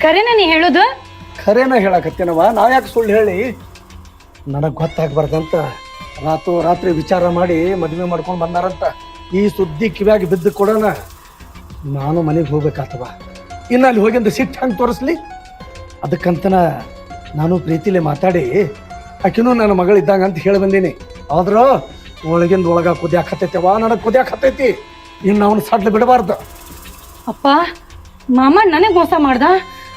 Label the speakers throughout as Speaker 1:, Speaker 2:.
Speaker 1: ಕರೆನ ನೀ ಹೇಳುದು?
Speaker 2: ಖರೇನ ಹೇಳಕತ್ತೇನವ, ನಾವ್ ಯಾಕೆ ಸುಳ್ಳು ಹೇಳಿ? ನನಗೆ ಗೊತ್ತಾಗ್ಬಾರ್ದಂತ ರಾತ್ರಿ ವಿಚಾರ ಮಾಡಿ ಮದುವೆ ಮಾಡ್ಕೊಂಡು ಬಂದಾರಂತ. ಈ ಸುದ್ದಿ ಕಿವ್ಯಾಗಿ ಬಿದ್ದು ಕೊಡೋಣ ನಾನು ಮನೆಗೆ ಹೋಗ್ಬೇಕಾತವ. ಇನ್ನು ಅಲ್ಲಿ ಹೋಗಿಂದ ಸಿಟ್ಟು ಹಂಗೆ ತೋರಿಸ್ಲಿ? ಅದಕ್ಕಂತನ ನಾನು ಪ್ರೀತಿಲಿ ಮಾತಾಡಿ ಆಕಿನೂ ನನ್ನ ಮಗಳಿದ್ದಾಗ ಅಂತ ಹೇಳಿ ಬಂದೀನಿ. ಆದ್ರೂ ಒಳಗಿಂದ ಒಳಗ ಕುದಿಯಾಕತ್ತೈತೆವ, ನನಗೆ ಕುದಿಯಾಕತ್ತೈತಿ. ಇನ್ನು ಅವನು ಸಡ್ಲು ಬಿಡಬಾರ್ದು.
Speaker 1: ಅಪ್ಪ, ಮಾಮ ನನಗೆ ಮೋಸ ಮಾಡ್ದ?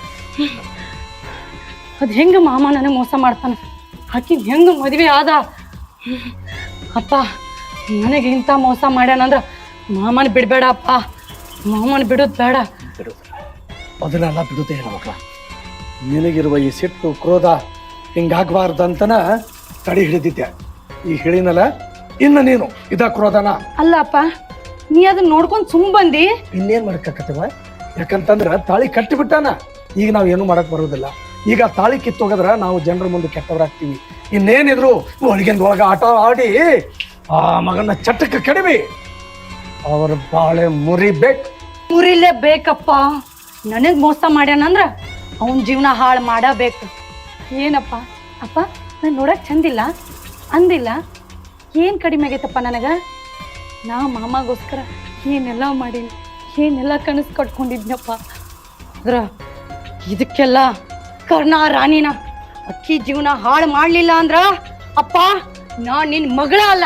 Speaker 1: ಅದು ಹೆಂಗ ಮಾಮ ನನಗೆ ಮೋಸ ಮಾಡ್ತಾನ? ಆಕಿ ಹೆಂಗ ಮದುವೆ ಆದ? ಅಪ್ಪ, ನನಗೆ ಇಂಥ ಮೋಸ ಮಾಡ್ಯಾನಂದ್ರ ಮಾಮನ ಬಿಡಬೇಡ ಅಪ್ಪ, ಮಾಮನ ಬಿಡೋದು ಬೇಡ.
Speaker 2: ಬಿಡುದು ಅದನ್ನೆಲ್ಲ ಬಿಡುದೇ ಇಲ್ಲ ಮಕ್ಕಳ. ನಿನಗಿರುವ ಈ ಸಿಟ್ಟು ಕ್ರೋಧ ಹಿಂಗಾಗಬಾರ್ದಂತನ ತಡಿ ಹಿಡಿದಿದ್ದೆ. ಈ ಹೇಳಿನಲ್ಲ, ಇನ್ನು ನೀನು ಇದ ಕ್ರೋಧನ
Speaker 1: ಅಲ್ಲ ಅಪ್ಪ, ನೀ ಅದನ್ನ ನೋಡ್ಕೊಂಡು ಸುಮ್ ಬಂದಿ.
Speaker 2: ಇನ್ನೇನ್ ಮಾಡಕ್ಕಾಕತ್ತವ? ಯಾಕಂತಂದ್ರ ತಾಳಿ ಕಟ್ಟಿಬಿಟ್ಟಾನ. ಈಗ ನಾವ್ ಏನು ಮಾಡಕ್ ಬರೋದಿಲ್ಲ. ಈಗ ತಾಳಿ ಕಿತ್ತೋಗದ್ರ ನಾವು ಜನರ ಮುಂದೆ ಕೆಟ್ಟವರಾಗ್ತೀವಿ. ಇನ್ನೇನಿದ್ರು ಒಳಗಿಂದ ಒಳಗ ಆಟ ಆಡಿ ಆ ಮಗನ ಚಟಕ್ಕೆ ಕಡಿಮೆ ಅವ್ರ ಬಾಳೆ ಮುರಿಬೇಕು.
Speaker 1: ಮುರಿಲೇ ಬೇಕಪ್ಪ. ನನಗ್ ಮೋಸ ಮಾಡ್ಯಾನಂದ್ರ ಅವನ್ ಜೀವನ ಹಾಳು ಮಾಡಬೇಕು. ಏನಪ್ಪ ಅಪ್ಪ, ನಾನು ನೋಡಕ್ ಚಂದಿಲ್ಲ ಅಂದಿಲ್ಲ? ಏನ್ ಕಡಿಮೆ ಆಗೈತಪ್ಪ ನನಗ? ನಾ ಮಾಮಗೋಸ್ಕರ ಏನೆಲ್ಲ ಮಾಡೀನಿ, ಏನೆಲ್ಲ ಕನಸು ಕಟ್ಕೊಂಡಿದ್ನಪ್ಪ. ಅದ್ರ ಇದಕ್ಕೆಲ್ಲ ಕರ್ಣ ರಾಣಿನ ಅಕ್ಕಿ ಜೀವನ ಹಾಳು ಮಾಡ್ಲಿಲ್ಲ ಅಂದ್ರ ಅಪ್ಪ, ನಾ ನಿನ್ ಮಗಳ ಅಲ್ಲ.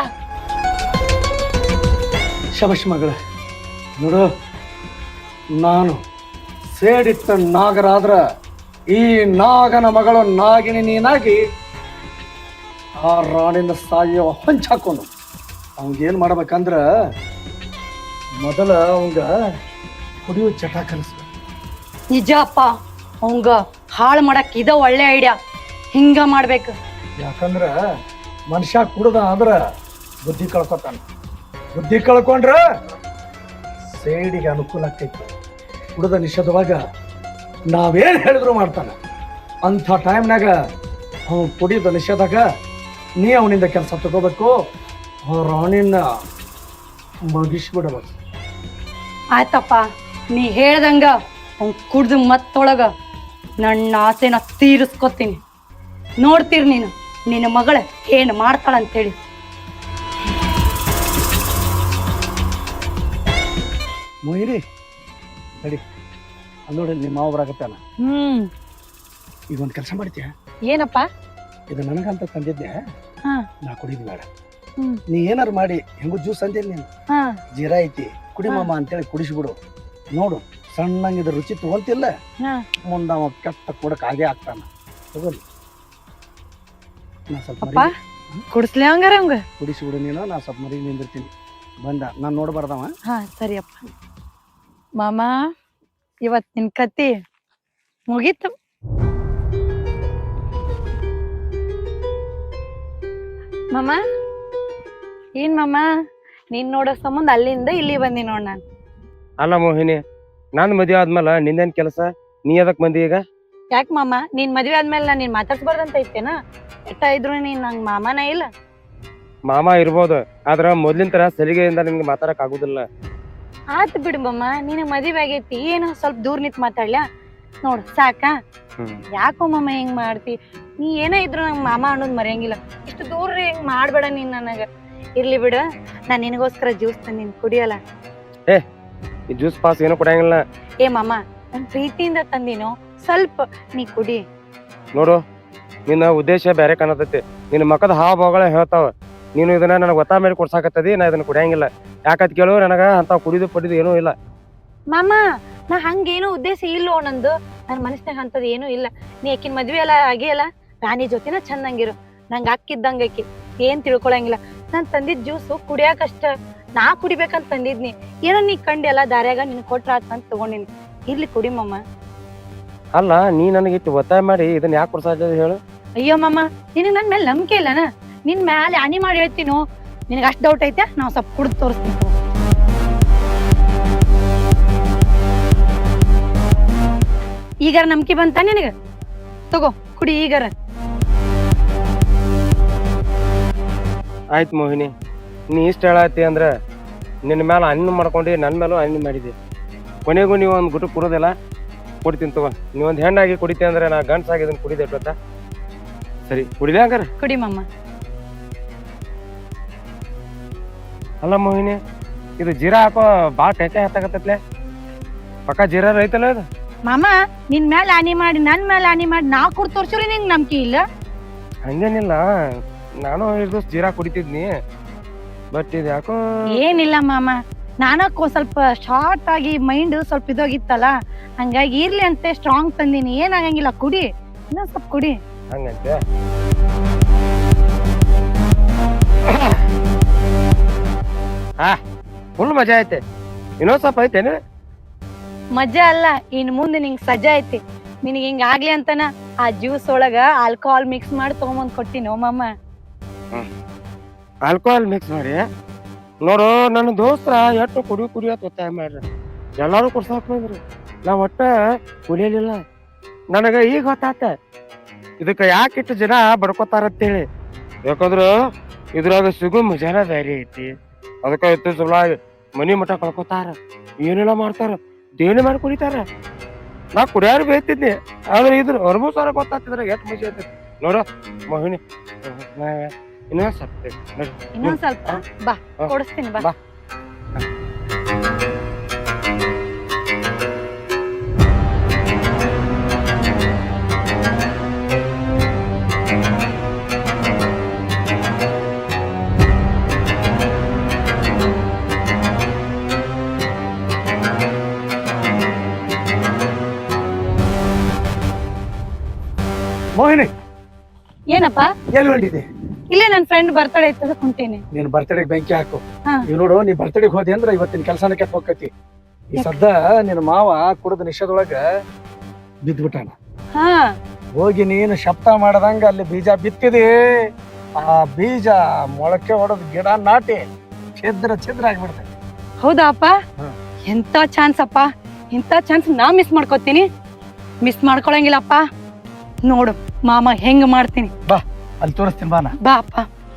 Speaker 2: ಶಬಶ್ ಮಗಳ, ನೋಡು, ನಾನು ಸೇಡಿಟ್ಟ ನಾಗರಾದ್ರ ಈ ನಾಗನ ಮಗಳು ನಾಗಿನಿ ನೀನಾಗಿ ಆ ರಾಣಿನ ಸಾಯೋ ಹೊಂಚಾಕೊಂಡು ಅವಂಗೇನು ಮಾಡ್ಬೇಕಂದ್ರ ಮೊದಲ ಅವಂಗ ಕುಡಿಯೋ ಚಟ ಕಲಿಸ್ಬೇಕು.
Speaker 1: ನಿಜ ಅಪ್ಪ, ಅವಂಗ ಹಾಳು ಮಾಡಕ್ ಇದ ಒಳ್ಳೆ ಐಡಿಯಾ. ಹಿಂಗ ಮಾಡ್ಬೇಕು.
Speaker 2: ಯಾಕಂದ್ರ ಮನುಷ್ಯ ಕುಡ್ದ ಅಂದ್ರ ಬುದ್ಧಿ ಕಳ್ಕೊತಾನ. ಬುದ್ಧಿ ಕಳ್ಕೊಂಡ್ರ ಸೇಡಿಗೆ ಅನುಕೂಲ ಆಗ್ತೈತಿ. ಕುಡ್ದ ನಿಷೇಧವಾಗ ನಾವೇನ್ ಹೇಳಿದ್ರು ಮಾಡ್ತಾನ. ಅಂಥ ಟೈಮ್ನಾಗ ಅವನು ಕುಡಿದ ನಿಷೇಧಾಗ ನೀ ಅವನಿಂದ ಕೆಲಸ ತಗೋಬೇಕು. ರಾಣಿನ ಮುಗಿಸ್ಬಿಡಬೇಕು.
Speaker 1: ಆಯ್ತಪ್ಪ, ನೀ ಹೇಳ್ದಂಗ ಅವ್ನು ಕುಡ್ದು ಮತ್ತೊಳಗ ನನ್ನ ಆಸೆನ ತೀರಿಸ್ಕೊತೀನಿ. ನೋಡ್ತೀರಿ ನೀನು ನಿನ್ನ ಮಗಳ ಏನು ಮಾಡ್ತಾಳಂತೇಳಿ.
Speaker 2: ಮೊಯ್ರಿ ನಡಿ, ಅಲ್ಲಿ ನೋಡಿ ನಿಮ್ಮ ಮಾವ ಬರಾಕತ್ತಾನ. ಈಗ ಒಂದು ಕೆಲಸ ಮಾಡ್ತೀಯ?
Speaker 1: ಏನಪ್ಪ?
Speaker 2: ಇದು ನನಗಂತ ತಂದಿದ್ದೆ,
Speaker 1: ಹಾ
Speaker 2: ನಾ ಕುಡಿದ್ ಬೇಡ. ನೀ ಏನಾರು ಮಾಡಿ ಹೆಂಗು ಜ್ಯೂಸ್ ಅಂದಿಲ್ಲ ನೀನು,
Speaker 1: ಹಾ
Speaker 2: ಜೀರಾ ಐತಿ ಕುಡಿ ಮಾಮ ಅಂತೇಳಿ ಕುಡಿಸ್ಬಿಡು. ನೋಡು ಸಣ್ಣಂಗಿದ ರುಚಿ ತಗೊಂತಿಲ್ಲ, ಮುಂದ ಅವ ಕೆಟ್ಟ ಕೊಡಕ್ ಹಾಗೆ ಆಗ್ತಾನ. ತಗೋಲಿ, ನಾ ಸ್ವಲ್ಪ
Speaker 1: ಅಪ್ಪ ಕುಡಿಸ್ಲಿ ಹಂಗಾರ ಹಂಗ
Speaker 2: ಕುಡಿಸ್ಬಿಡು ನೀನು. ನಾ ಸ್ವಲ್ಪ ಮರಿ ನಿಂದಿರ್ತೀನಿ. ಬಂದ ನಾನು ನೋಡ್ಬಾರ್ದವ.
Speaker 1: ಹಾ ಸರಿಯಪ್ಪ. ಮಾಮ, ಇವತ್ ನಿನ್ ಕತ್ತಿ ಮುಗೀತು. ಮಾಮ, ಏನ್ ಮಾಮ, ನೀನ್ ನೋಡೋ ಸಂಬಂಧ ಅಲ್ಲಿಂದ ಇಲ್ಲಿ ಬಂದಿ ನೋಡ್ ನಾನು.
Speaker 3: ಅಲ್ಲ ಮೋಹಿನಿ, ನಾನು ಮದುವೆ ಆದ್ಮೇಲೆ ನಿಂದೇನ್ ಕೆಲಸ? ನೀ ಅದಕ್ ಬಂದಿ ಈಗ?
Speaker 1: ಯಾಕೆ ಮಾಮ, ನೀನ್ ಮದ್ವೆ ಆದ್ಮೇಲೆ ನಾನು ನೀನ್ ಮಾತಾಡ್ಸ್ಬಾರ್ದಂತ ಐತೇನ? ಎಟ್ಟ ಇದ್ರು ನೀನ್ ನಂಗ್ ಮಾಮನ ಇಲ್ಲ.
Speaker 3: ಮಾಮ ಇರ್ಬೋದು, ಆದ್ರ ಮೊದ್ಲಿನ ತರ ಸಲಿಗೆಯಿಂದ ನಿಮ್ಗೆ ಮಾತಾಡಕ್ ಆಗುದಿಲ್ಲ.
Speaker 1: ಆತ್ ಬಿಡು ಮಾಮ, ನಿನಗ್ ಮದ್ವೆ ಆಗೈತಿ, ಏನು ಸ್ವಲ್ಪ ದೂರ ನಿಂತ್ ಮಾತಾಡ್ಲ್ಯಾ? ನೋಡ್ ಸಾಕ? ಯಾಕೋ ಮಾಮ ಹಿಂಗ್ ಮಾಡ್ತಿ? ನೀ ಏನ ಇದ್ರು ನಂಗ್ ಮಾಮ ಅನ್ನೋದ್ ಮರೆಯಂಗಿಲ್ಲ. ಇಷ್ಟು ದೂರ ಹಿಂಗ್ ಮಾಡ್ಬೇಡ ನೀನ್ ನನಗ. ಇರ್ಲಿ ಬಿಡ, ನಾನ್ ನಿನಗೋಸ್ಕರ ಜ್ಯೂಸ್ ತಂದಿನಿ, ಕುಡಿಯಲ್ಲ?
Speaker 3: ಈ ಜ್ಯೂಸ್ ಪಾಸ್ ಏನೋ ಕೊಡಂಗಿಲ್ಲ.
Speaker 1: ಏ ಮಾಮ, ನನ್ ಪ್ರೀತಿಯಿಂದ ತಂದಿನೋ, ಸ್ವಲ್ಪ ನೀ ಕುಡಿ.
Speaker 3: ನೋಡು, ನಿನ್ನ ಉದ್ದೇಶ ಬೇರೆ ಕಾಣತೈತಿ. ನಿನ್ನ ಮಕ್ಕದ ಹಾವಭಾವಗಳ ಹೇಳ್ತಾವ. ನೀನು ಇದನ್ನ ನನಗೆ ಒತ್ತಾಯ ಮೇಲೆ ಕೊಡ್ಸಾಕತ್ತದಿ. ನಾ ಇದನ್ನ ಕುಡಿಯಂಗಿಲ್ಲ. ಯಾಕತ್ ಕೇಳು, ನನಗ ಅಂತ ಕುಡಿದು ಪಡಿದು ಏನೂ ಇಲ್ಲ.
Speaker 1: ಮಾಮ, ನಾ ಹಂಗೇನು ಉದ್ದೇಶ ಇಲ್ಲೋ ನಂದು. ನನ್ ಮನಸ್ನಾಗ ಅಂತದ್ ಏನೂ ಇಲ್ಲ. ನೀ ಆಕಿನ್ ಮದ್ವೆ ಎಲ್ಲ ಆಗಿಯಲ್ಲ, ರಾಣಿ ಜೊತೆನ ಚಂದಂಗಿರು. ನಂಗ ಅಕ್ಕಿದ್ದಂಗ ಆಕಿ, ಏನ್ ತಿಳ್ಕೊಳಂಗಿಲ್ಲ. ನಾನ್ ತಂದಿದ್ ಜ್ಯೂಸು ಕುಡಿಯಾಕಷ್ಟ, ನಾ ಕುಡಿಬೇಕಂತ ತಂದಿದ್ನಿ. ಏನೋ ನೀ ಕಂಡಿಯಲ್ಲ ದಾರ್ಯಾಗ, ನಿನ್ ಕೊಟ್ರ ಆತ ಅಂತ ತಗೊಂಡಿನಿ. ಇರ್ಲಿ ಕುಡಿ ಮಾಮ.
Speaker 3: ಅಲ್ಲ, ನೀ ನನಗೆ ಇಟ್ಟು ಒತ್ತಾಯ ಮಾಡಿ ಇದನ್ನ ಯಾಕೆ ಕೊಡ್ಸಾಕ ಹೇಳು?
Speaker 1: ಅಯ್ಯೋ ಮಾಮ, ನಿನಗ್ ನನ್ ಮೇಲೆ ನಂಬಿಕೆ ಇಲ್ಲನ? ನಿನ್ ಮ್ಯಾಲೆ ಹನಿ ಮಾಡಿ ಹೇಳ್ತೀನೋ? ನಿನಗ ಅಷ್ಟ್ ಡೌಟ್ ಐತೆ? ನಾವ್ ಸ್ವಲ್ಪ ಕುಡ್ದು ತೋರಿಸ್ತೀನಿ. ಈಗಾರ ನಂಬಿಕೆ ಬಂತ ನಿನಗ? ತಗೋ ಕುಡಿ ಈಗಾರ.
Speaker 3: ಆಯ್ತು ಮೋಹಿನಿ, ನೀ ಇಷ್ಟ ಹೇಳತ್ತಿ ಅಂದ್ರ ನಿನ್ನ ಮೇಲೆ ಹಣ್ಣು ಮಾಡ್ಕೊಂಡು ನನ್ನ ಮೇಲೂ ಹಣ್ಣು ಮಾಡಿದೆ. ಕೊನೆಗೂ ನೀವು ಒಂದು ಗುಟ್ಟು ಕುರೋದಿಲ್ಲ. ಕುಡಿತೀನಿ ತಗೋ. ನೀವೊಂದು ಹೆಣ್ಣಾಗಿ ಕುಡಿತೀನಿ ಅಂದ್ರೆ ನಾ ಗಂಡ್ಸಾಗಿ ಇದನ್ನ ಕುಡಿದೆ ಗೊತ್ತಾ? ಸರಿ ಕುಡಿದೆ ಹಂಗಾರ.
Speaker 1: ಕುಡಿ ಮಾಮ.
Speaker 3: ಅಲ್ಲ ಮೋಹಿನಿ, ಇದು ಜೀರಾ ಹಾಕೋ ಭಾಳ ಟೆಂಕೆ ಹತ್ತಾಗತ್ತಲೆ. ಪಕ್ಕ ಜೀರಾ ರೈತಲ್ಲ ಇದು.
Speaker 1: ಮಾಮ ನಿನ್ ಮೇಲೆ ಹಾನಿ ಮಾಡಿ ನನ್ ಮೇಲೆ ಹಾನಿ ಮಾಡಿ ನಾ ಕುಡ್ ತೋರ್ಸ್ರಿ ನಿಂಗ್ ನಂಬಿಕೆ ಇಲ್ಲ.
Speaker 3: ಹಂಗೇನಿಲ್ಲ, ನಾನು ಇದು ಜೀರಾ ಕುಡಿತಿದ್ನಿ, ಬಟ್ ಇದು ಯಾಕೋ
Speaker 1: ಏನಿಲ್ಲ ಮಾಮ, ನಾನಕ್ಕೂ ಸ್ವಲ್ಪ ಶಾರ್ಟ್ ಆಗಿ ಮೈಂಡ್ ಸ್ವಲ್ಪ ಇದೋಗಿತ್ತಲ್ಲ, ಹಂಗಾಗಿ ಇರ್ಲಿ ಅಂತ ಸ್ಟ್ರಾಂಗ್ ತಂದಿನಿ. ಏನಾಗಂಗಿಲ್ಲ, ಕುಡಿ, ಇನ್ನೊಂದ್ ಸ್ವಲ್ಪ ಕುಡಿ.
Speaker 3: ಹಂಗಂತೆ. ಹಾ ಫುಲ್ ಮಜಾ ಐತೆ. ಇನ್ನೊಂದ್ ಸ್ವಲ್ಪ ಐತೇನು?
Speaker 1: ಮಜಾ ಅಲ್ಲ, ಇನ್ ಮುಂದೆ ನಿಂಗ್ ಸಜಾ ಐತಿ. ನಿನಗೆ ಹಿಂಗ ಆಗ್ಲಿ ಅಂತನ ಆ ಜ್ಯೂಸ್ ಒಳಗ ಆಲ್ಕೋಹಾಲ್ ಮಿಕ್ಸ್ ಮಾಡಿ ತಗೊಂಬಂದ್ ಕೊಟ್ಟಿನೋ ಮಾಮ.
Speaker 3: ಆಲ್ಕೋಹಾಲ್ ಮಿಕ್ಸ್ ಮಾಡಿ ನೋಡು. ನನ್ನ ದೋಸ್ತರ ಎಷ್ಟು ಕುಡಿ ಅಂತ ಒತ್ತಾಯ ಮಾಡ್ರಿ, ಎಲ್ಲಾರು ಕುಡ್ಸಾಕ್ ಬಂದ್ರಿ. ನಾ ಒಟ್ಟ ಕುಡಿಯಲಿಲ್ಲ. ನನಗ ಈಗ ಗೊತ್ತಾತ ಇದಕ್ಕ ಯಾಕಿಟ್ಟು ಜನ ಬಡ್ಕೋತಾರಂತೇಳಿ. ಯಾಕಂದ್ರ ಇದ್ರಾಗ ಸಿಗೋ ಮಜಾನ ಬೇರೆ ಐತಿ. ಅದಕ್ಕ ಇತ್ತು ಸಲ ಮನಿ ಮಠ ಕಳ್ಕೊತಾರ, ಏನೆಲ್ಲ ಮಾಡ್ತಾರ, ದೇಣಿ ಮಾಡಿ ಕುಡಿತಾರ. ನಾ ಕುಡಿಯಾರು ಬೇಯ್ತಿದ್ನಿ, ಆದ್ರೆ ಇದ್ರ ಹೊರಬೂ ಸಾರ ಗೊತ್ತಾಗ್ತಿದ್ರ ಎಷ್ಟು ಮಜಾ ಐತಿ ನೋಡು ಮೋಹಿನಿ. ಇನ್ನೊಂದ್
Speaker 1: ಸ್ವಲ್ಪ ಬಾ ಕೊಡಿಸ್ತೀನಿ ಬಾ.
Speaker 2: ಮೋಹಿನಿ,
Speaker 1: ಏನಪ್ಪ
Speaker 2: ಎಲ್ಲಿ ಹೊಂಟಿದ್ದೆ?
Speaker 1: ಇಲ್ಲೇ ನನ್ ಫ್ರೆಂಡ್ ಬರ್ತಡೇ ಇತ್ತದ ಕುಂಟೇನಿ.
Speaker 2: ನೀನ್ ಬರ್ತಡೆಗೆ ಬೆಂಕಿ ಹಾಕು.
Speaker 1: ಹಾ.
Speaker 2: ಈಗ ನೋಡು, ನೀ ಬರ್ತಡೆಗೆ ಹೋದಿ ಅಂದ್ರ ಇವತ್ತಿನ ಕೆಲಸನ ಕೆಟ್ಟ ಹೋಗ್ತೈತಿ. ಈ ಸದ್ದ ನಿನ್ನ ಮಾವ ಕುಡಿದ ನಿಷೇಧೊಳಗ ಬಿದ್ದ್ಬಿಟ್ಟಾನ.
Speaker 1: ಹಾ,
Speaker 2: ಹೋಗಿ ನೀನು ಶಬ್ದ ಮಾಡದಂಗ ಅಲ್ಲಿ ಬೀಜ ಬಿತ್ತಿದಿ. ಆ ಬೀಜ ಮೊಳಕೆ ಹೊಡೆದ್ ಗಿಡ ನಾಟಿ ಛಿದ್ರ ಆಗ್ಬಿಡ್ತೈತಿ.
Speaker 1: ಹೌದಾ ಅಪ್ಪ?
Speaker 2: ಹಾ.
Speaker 1: ಎಂತ ಚಾನ್ಸ್ ಅಪ್ಪ, ಇಂತ ಚಾನ್ಸ್ ನಾ ಮಿಸ್ ಮಾಡ್ಕೋತೀನಿ. ಮಿಸ್ ಮಾಡ್ಕೊಳಂಗಿಲ್ಲಪ್ಪ. ನೋಡು ಮಾಮ ಹೆಂಗ್ ಮಾಡ್ತೀನಿ,
Speaker 2: ಬಾ ಅಲ್ಲಿ ತೋರಿಸ್ತೀನಿ, ಬಾನ
Speaker 1: ಬಾ ಅಪ್ಪ.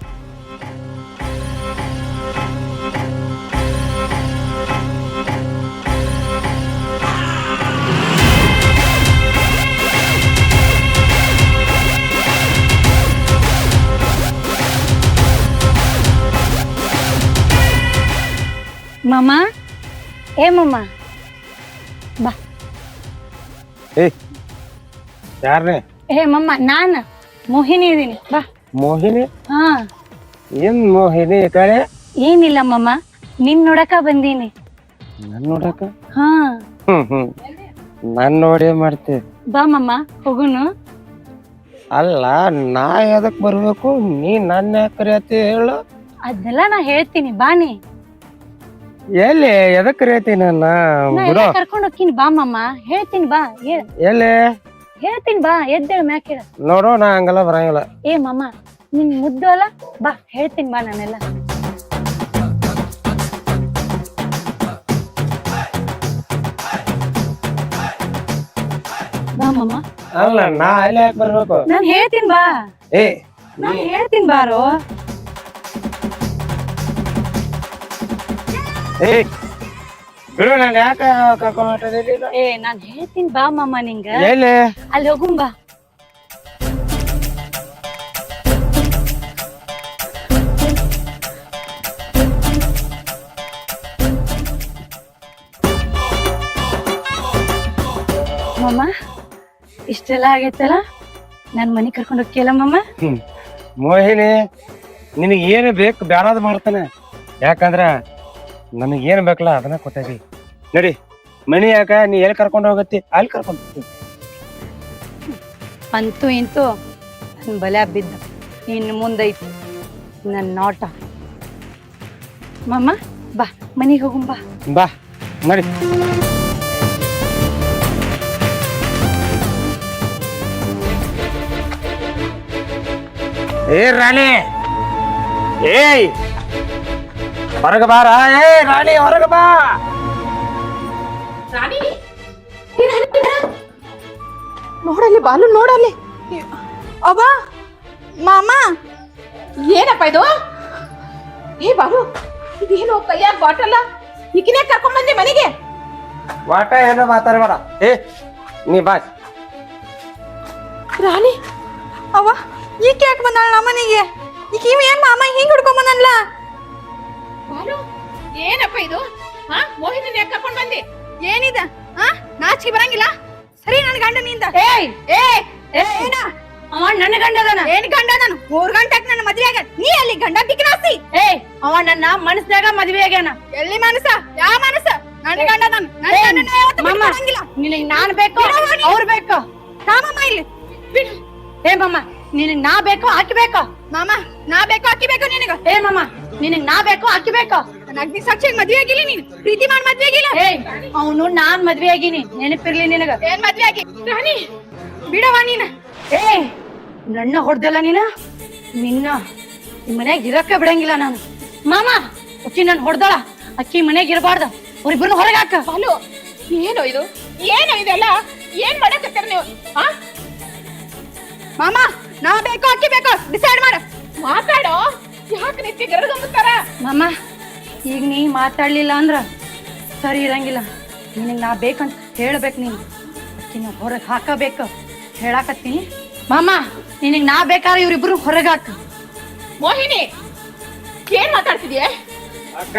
Speaker 1: ಮಾಮ, ಏ ಮಾಮ ಬಾ.
Speaker 3: ಯಾರನೇ?
Speaker 1: ಏ ಮಮ್ಮ, ನಾನ್ ಮೋಹಿನಿ ಇದೀನಿ, ಬಾ.
Speaker 3: ಮೋಹಿನಿ?
Speaker 1: ಹಾ.
Speaker 3: ಏನ್ ಮೋಹಿನಿ ಕಡೆ?
Speaker 1: ಏನಿಲ್ಲ ಮಮ್ಮ, ನಿನ್ ನೋಡಕ ಬಂದೀನಿ.
Speaker 3: ನನ್ ನೋಡಕ?
Speaker 1: ಹಾ.
Speaker 3: ನನ್ ನೋಡಿ ಮಾಡ್ತಿ?
Speaker 1: ಬಾ ಮಮ್ಮ, ಹೋಗುನು.
Speaker 3: ಅಲ್ಲ, ನಾ ಎದಕ್ ಬರ್ಬೇಕು, ನೀ ನನ್ನ ಯಾಕೆ ಕರಿಯತಿ ಹೇಳು?
Speaker 1: ಅದೆಲ್ಲ ನಾ ಹೇಳ್ತೀನಿ, ಬಾನಿ.
Speaker 3: ಎಲ್ಲಿ ಎದಕ್ ಕರಿಯತಿ ನನ್ನ? ಬಿಡು,
Speaker 1: ಕರ್ಕೊಂಡ್ ಹೋಗ್ತೀನಿ, ಬಾ ಮಮ್ಮ, ಹೇಳ್ತೀನಿ ಬಾ.
Speaker 3: ಎಲ್ಲಿ
Speaker 1: ಹೇಳ್ತೀನಿ ಬಾ, ಎದ್ದೇಳ ಮ್ಯಾಕ್ ಹೇಳ.
Speaker 3: ನೋಡು, ನಾ ಹಂಗೆಲ್ಲ ಬರಂಗಿಲ್ಲ.
Speaker 1: ಏ ಮಮ್ಮ, ನಿನ್ ಮುದ್ದು ಅಲ್ಲ, ಬಾ ಹೇಳ್ತೀನಿ ಬಾ. ನಾನೆಲ್ಲ ಬಾ ಮಮ್ಮ.
Speaker 3: ಅಲ್ಲ, ನಾ ಅಲ್ಲಿ ಯಾಕೆ ಬರ್ಬೇಕು?
Speaker 1: ನಾನ್ ಹೇಳ್ತೀನಿ ಬಾ.
Speaker 3: ಏ,
Speaker 1: ನಾನ್ ಹೇಳ್ತೀನಿ ಬಾರೋ.
Speaker 3: ಏ ಬಿಡು, ನಾನು ಯಾಕೆ ಕರ್ಕೊಂಡ್ ಹೊಂಟಿದ್ದೀನಿ?
Speaker 1: ಏ ನಾನ್ ಹೇಳ್ತೀನಿ ಬಾ ಮಮ್ಮ, ನಿಂಗ
Speaker 3: ಎಲ್ಲಿ?
Speaker 1: ಅಲ್ಲಿ ಹೋಗುಂ ಬಾ. ಮಮ್ಮ, ಇಷ್ಟೆಲ್ಲ ಆಗೈತಲ್ಲ, ನನ್ ಮನಿ ಕರ್ಕೊಂಡು ಹೋಗ್ತಿಯಲ್ಲ ಮಮ್ಮ?
Speaker 3: ಮೋಹಿನಿ, ನಿನಗೆ ಏನು ಬೇಕು ಬ್ಯಾಡಾದ್ ಮಾಡ್ತಾನೆ. ಯಾಕಂದ್ರ ನನಗೇನು ಬೇಕಲ್ಲ ಅದನ್ನ ಕೊಟ್ಟಾಗಿ. ನಡಿ ಮನಿ ಯಾಕ, ನೀ ಎಲ್ಲಿ ಕರ್ಕೊಂಡು ಹೋಗತ್ತಿ ಅಲ್ಲಿ ಕರ್ಕೊಂಡು ಹೋಗ್ತೀನಿ.
Speaker 1: ಅಂತೂ ಇಂತೂ ನನ್ ಬಲೆ ಬಿದ್ದ. ಇನ್ನು ಮುಂದೈತಿ ನನ್ನ ನೋಟ. ಮಮ್ಮ ಬಾ, ಮನಿಗೆ ಹೋಗುಂ ಬಾ.
Speaker 3: ಬಾ ನಡಿ. ಏ ರಾಣಿ, ಏಯ್ ಹೊರಗ ಬಾರ. ಏ ರಾಣಿ, ಹೊರಗ ಬಾ.
Speaker 4: ರಾಣಿ, ನೋಡಲ್ಲಿ ಬಾಲು, ನೋಡಲ್ಲಿ. ಅಬ್ಬ ಮಾಮ, ಏನಪ್ಪ ಇದು? ಏ ಬಾಲು, ಇದೇನು ಕೈಯಾಗ ಬಾಟಲ್ಲ? ಈಕಿನೇ ಕರ್ಕೊಂಡ್ ಬಂದೆ ಮನೆಗೆ?
Speaker 3: ವಾಟ ಏನೋ ಮಾತಾಡಬೇಡ. ಏ ನೀ ಬಾ.
Speaker 4: ರಾಣಿ ಅವ ಈಗ ಯಾಕೆ ಬಂದಾಳ ನಮ್ಮನೆಗೆ? ಈಗ ಇವ ಏನ್ ಮಾಮ ಹಿಂಗ್ ಹುಡ್ಕೊಂಡ್ ಬಂದಲ್ಲ? ಬಾಲು ಏನಪ್ಪ ಇದು? ಹಾ ಮೋಹಿನಿ ಯಾಕೆ ಕರ್ಕೊಂಡ್ ಬಂದಿ? ಏನಿದ? ಹಾ ನಾಚಿಕೆ ಬರಂಗಿಲ್ಲ? ಸರಿ ನನ್ ಗಂಡ ನಿಂದ. ಏಯ್ ಏ ಏನ
Speaker 1: ಅವ ನನ್ನ ಗಂಡದನ.
Speaker 4: ಏನ್ ಗಂಡ? ನಾನು 3 ಗಂಟೆಗೆ ನನ್ನ ಮದ್ವೆ ಆಗ ನೀ ಅಲ್ಲಿ ಗಂಡ ಬಿಕ್ನಾಸ್ತಿ.
Speaker 1: ಏಯ್ ಅವ ನನ್ನ ಮನಸ್ನಾಗ ಮದ್ವೆ ಆಗ್ಯಾನ.
Speaker 4: ಎಲ್ಲಿ ಮನಸ? ಯಾವ ಮನಸ? ನನ್ನ ಗಂಡ ನಾನು. ನನ್ನ ಗಂಡನ ಯಾವತ್ತೂ ಬಿಟ್ಕೊಡಂಗಿಲ್ಲ.
Speaker 1: ನಿನಗ್ ನಾನ್ ಬೇಕು ಅವ್ರು ಬೇಕು.
Speaker 4: ರಾಮಮ್ಮ ಇಲ್ಲಿ ಬಿಡು.
Speaker 1: ಏ ಮಮ್ಮ ನಿನಗ್ ನಾ ಬೇಕು ಆಕಿ ಬೇಕು.
Speaker 4: ಮಾಮ ನಾ ಬೇಕು ಅಕ್ಕಿ ಬೇಕು ನಿನಗ.
Speaker 1: ಏ ಮಮ್ಮ ನಿನಗ್ ನಾ ಬೇಕು ಆಕಿ ಬೇಕು.
Speaker 4: ನನ್ನ ಅಗ್ನಿ ಸಾಕ್ಷಿಯಾಗಿ ಮದ್ವೆ ಆಗಿಲ್ಲ ನೀನು. ಪ್ರೀತಿ ಮಾಡಿ ಮದ್ವೆ ಆಗಿಲ್ಲ.
Speaker 1: ಏಯ್ ಅವನು ನಾನ್ ಮದ್ವೆ ಆಗಿನಿ ನೆನಪಿರ್ಲಿ ನಿನಗ.
Speaker 4: ಏನ್ ಮದ್ವೆ ಆಗಿ? ರಾಣಿ ಬಿಡವ ನೀನ.
Speaker 1: ಏ ನನ್ನ ಹೊಡ್ದಲ್ಲ ನೀನ. ನಿನ್ನ ಈ ಮನ್ಯಾಗ ಇರಕ್ಕ ಬಿಡಂಗಿಲ್ಲ ನಾನು. ಮಾಮ ಅಕ್ಕಿ ನನ್ ಹೊಡ್ದಳ. ಅಕ್ಕಿ ಮನ್ಯಾಗ ಇರಬಾರ್ದ. ಅವ್ರಿಬ್ರನ್ನ ಹೊರಗೆ ಹಾಕ.
Speaker 4: ಬಾಲು ಏನೋ ಇದು? ಏನೋ ಇದೆಲ್ಲ? ಏನ್ ಮಾಡಕತ್ತೀರ ನೀವು? ಹಾ ಮಾಮ ನಾ ಬೇಕು ಅಕ್ಕಿ ಬೇಕು ಡಿಸೈಡ್ ಮಾಡ. ಮಾತಾಡೋ. ಯಾಕೆ ನಿತ್ಯ ಗರಗಂಬುತ್ತಾರ?
Speaker 1: ಮಾಮ ಈಗ ನೀ ಮಾತಾಡ್ಲಿಲ್ಲ ಅಂದ್ರ ಸರಿ ಇರಂಗಿಲ್ಲ. ನಿನಗ್ ನಾ ಬೇಕಂತ ಹೇಳ್ಬೇಕು. ನೀನು ಅಕ್ಕಿನ ಹೊರಗೆ ಹಾಕಬೇಕು ಹೇಳಾಕತ್ತೀನಿ. ಮಾಮ ನಿನಗ್ ನಾ ಬೇಕಾದ್ರೆ ಇವ್ರಿಬ್ರು ಹೊರಗೆ ಹಾಕ.
Speaker 4: ಮೋಹಿನಿ ಏನ್ ಮಾತಾಡ್ತಿದ್ಯೆ?
Speaker 3: ಅಕ್ಕ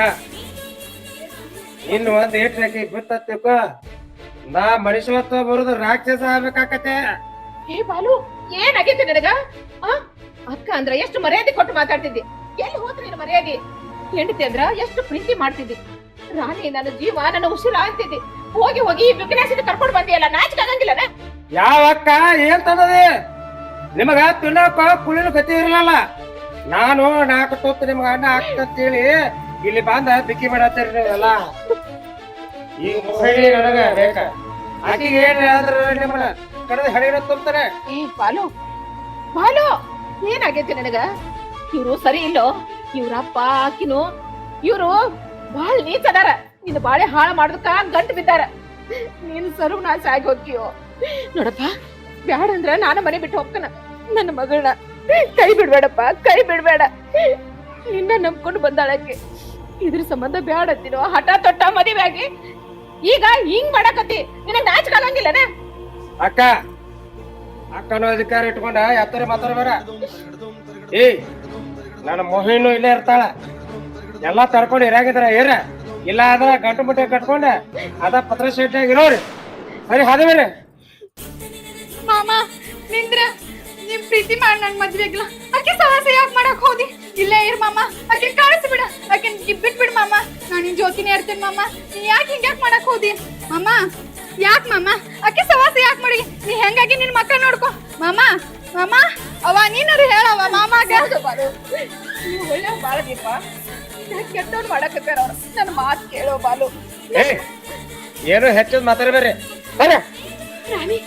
Speaker 3: ಇನ್ನು ಒಂದ್ ಏಟ್ರಕ್ಕೆ ಬಿತ್ತಕ್ಕ ನಾ ಮನುಷ್ಯತ್ವ ಬರುದು ರಾಕ್ಷಸ ಆಗ್ಬೇಕಾಕತೆ.
Speaker 4: ಏ ಬಾಲು ಏನಾಗೈತೆ ನನಗ? ಅಕ್ಕ ಅಂದ್ರ ಎಷ್ಟು ಮರ್ಯಾದೆ ಕೊಟ್ಟು ಮಾತಾಡ್ತಿದ್ದಿ. ಎಲ್ಲಿ ಹೋದ್ರಿ ನೀನು ಮರ್ಯಾದೆ? ಹೆಂಡತಿ ಅಂದ್ರ ಎಷ್ಟು ಪ್ರೀತಿ ಮಾಡ್ತಿದ್ದಿ. ರಾಣಿ ನನ್ನ ಜೀವ ನನ್ನ ಉಸಿರ ಅಂತಿದ್ದಿ. ಹೋಗಿ ಹೋಗಿ ಬಿಗ್ನಾಸಿನ ಕರ್ಕೊಂಡು ಬಂದಿಯಲ್ಲ, ನಾಚಿಕೆ ಆಗಂಗಿಲ್ಲನ?
Speaker 3: ಯಾವ ಅಕ್ಕ ಏನ್ ತಂದದಿ? ನಿಮಗ ತಿನ್ನಕ ಕುಳಿನ ಗತಿ ಇರಲ್ಲ. ನಾನು 4 ತೊತ್ತು ನಿಮ್ಗ ಅನ್ನ ಹಾಕ್ತಂತೇಳಿ ಇಲ್ಲಿ ಬಂದ ಬಿಕ್ಕಿ ಮಾಡತ್ತೀರಿ ನೀವೆಲ್ಲ. ಈಗ ಮೋಹಿನಿ ನನಗ ಬೇಕ. ಆಕಿಗೆ ಏನ್ ಆದ್ರ ನಿಮ್ಮನ್ನ ಕಡದ ಹಡಿನ ತುಂಬ್ತಾರೆ.
Speaker 4: ಏ ಬಾಲು ಬಾಲು ಏನಾಗೈತೆ ನನಗ? ಇವ್ರು ಸರಿ ಇಲ್ಲೋ? ಇವ್ರಪ್ಪ ಆಕಿನು ಇವ್ರು ಬಾಳ ನೀಚದಾರ. ನಿನ್ನ ಬಾಳೆ ಹಾಳ ಮಾಡೋದಕ್ಕ ಗಂಟು ಬಿದ್ದಾರ. ನೀನು ಸರ್ವನಾಶ ಆಗಿ ಹೋಗ್ತೀಯೋ ನೋಡಪ್ಪ. ಬ್ಯಾಡ ಅಂದ್ರ ನಾನು ಮನೆ ಬಿಟ್ಟು ಹೋಗ್ತಾನ. ನನ್ನ ಮಗಳನ್ನ ಕೈ ಬಿಡ್ಬೇಡಪ್ಪ, ಕೈ ಬಿಡ್ಬೇಡ. ನಿನ್ನ ನಂಬ್ಕೊಂಡು ಬಂದಾಳಕ್ಕೆ. ಇದ್ರ ಸಂಬಂಧ ಬ್ಯಾಡ ಅಂತೀನೋ ಹಠ ತೊಟ್ಟ ಮದುವೆ ಆಗಿ ಈಗ ಹಿಂಗ್ ಮಾಡಕತ್ತಿ. ನಿನಗ್ ನಾಚಿಕೆ ಆಗಂಗಿಲ್ಲನ?
Speaker 3: ಅಕ್ಕ ಅಕ್ಕನ ಅಧಿಕಾರ ಇಟ್ಕೊಂಡ ಎತ್ತರ ಮಾತಾಡ್ಬೇಡ. ಏ ನನ್ನ ಮೋಹಿನೂ ಇಲ್ಲೇ ಇರ್ತಾಳ. ಎಲ್ಲಾ ತರ್ಕೊಂಡು ಇರಾಗಿದ್ರ ಏರ ಇಲ್ಲ ಆದ್ರ ಗಂಟು ಮುಟ್ಟೆ ಕಟ್ಕೊಂಡ ಅದ ಪತ್ರ ಶೆಟ್ಟಾಗಿ ಇರೋರಿ. ಸರಿ ಹಾದವೇರಿ
Speaker 4: ಮಾಮ ನಿಂದ್ರ ನಿಮ್ ಪ್ರೀತಿ ಮಾಡಿ ನನ್ ಮದ್ವೆಗ್ಲ ಆಕೆ ಸಾಹಸ ಯಾಕೆ ಮಾಡಕ್ ಹೋದಿ? ಇಲ್ಲೇ ಇರ್ ಮಾಮ, ಆಕೆ ಕಾಣಿಸ್ಬಿಡ. ಆಕೆ ಬಿಟ್ಬಿಡ್ ಮಾಮ. ನಾನು ನಿನ್ ಜೊತೆನೇ ಇರ್ತೇನೆ ಮಾಮ. ನೀ ಯಾಕೆ ಹಿಂಗ್ಯಾಕ್ ಮಾಡಕ್ ಹೋದಿ ಮಾಮ? ಯಾಕ್ ಮಾಮ ಆಕೆ ಸವಾಸ ಯಾಕೆ ಮಾಡಿ? ನೀ ಹೆಂಗಾಗಿ ನಿನ್ ಮಕ್ಕಳ ನೋಡ್ಕೊ ಮಾಮ. ಮಾಮ ಅವ ನೀನಾರು ಹೇಳವ ಮಾಮಾಗ. ನೀವು ಒಳ್ಳೆ ಬಾಳದೀಪ. ಕೆಟ್ಟವ್ರು ಮಾಡಕತ್ತಾರ ಅವ್ರು. ನನ್ನ ಮಾತು ಕೇಳೋ ಬಾಲು.
Speaker 3: ಏ ಏನು ಹೆಚ್ಚದ್ ಮಾತಾಡ್ಬೇಡ್ರಿ. ಬರ
Speaker 4: ರಾಣಿ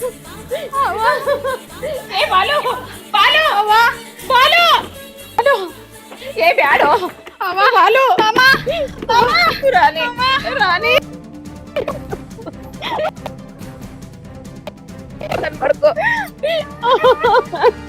Speaker 4: ಏ ಬಾಲು ಬಾಲು ಅವ ಬಾಲು ಬಾಲು ಏ ಬ್ಯಾಡೋ ಅವ ಬಾಲು ಮಾಮ ಮಾಮ ರಾಣಿ ರಾಣಿ ನನ್ ಮಾಡ್ಕೋ